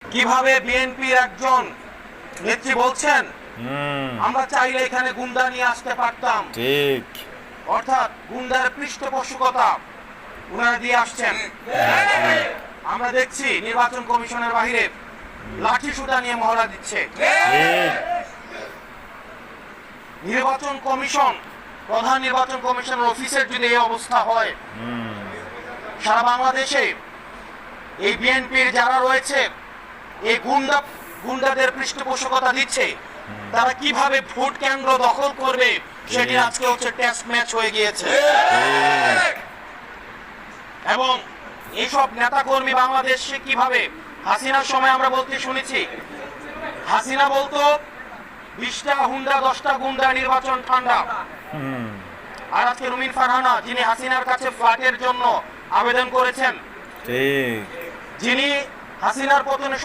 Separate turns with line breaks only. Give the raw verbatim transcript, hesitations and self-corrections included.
কিভাবে বিএনপির একজন নেত্রী বলছেন আমরা চাইলে এখানে গুন্ডা নিয়ে আসতে পারতাম,
ঠিক,
অর্থাৎ গুন্ডার পৃষ্ঠপোষকতা উনারা দিয়ে আসছেন। আমরা দেখছি নির্বাচন কমিশনের বাইরে লাঠি সুতা নিয়ে মহড়া দিচ্ছে। নির্বাচন কমিশন, প্রধান নির্বাচন কমিশনের অফিসের যদি এই অবস্থা হয়, সারা বাংলাদেশে এই বিএনপির যারা রয়েছে এই গুন্ডা গুন্ডাদের পৃষ্ঠপোষকতা দিচ্ছে, তারা কিভাবে ভোট কেন্দ্র দখল করবে সেটি আজকে হচ্ছে টেস্ট ম্যাচ হয়ে গিয়েছে। এবং এইসব নেতাকর্মী বাংলাদেশে কিভাবে, হাসিনার সময় আমরা বলতে শুনেছি, হাসিনা বলতো বিশটা হুন্ডা দশটা গুন্ডা নির্বাচন ঠান্ডা। আর আজকে রুমিন ফারহানা, যিনি হাসিনার কাছে ফ্ল্যাটের জন্য আবেদন করেছেন, যিনি হাসিনার পতনে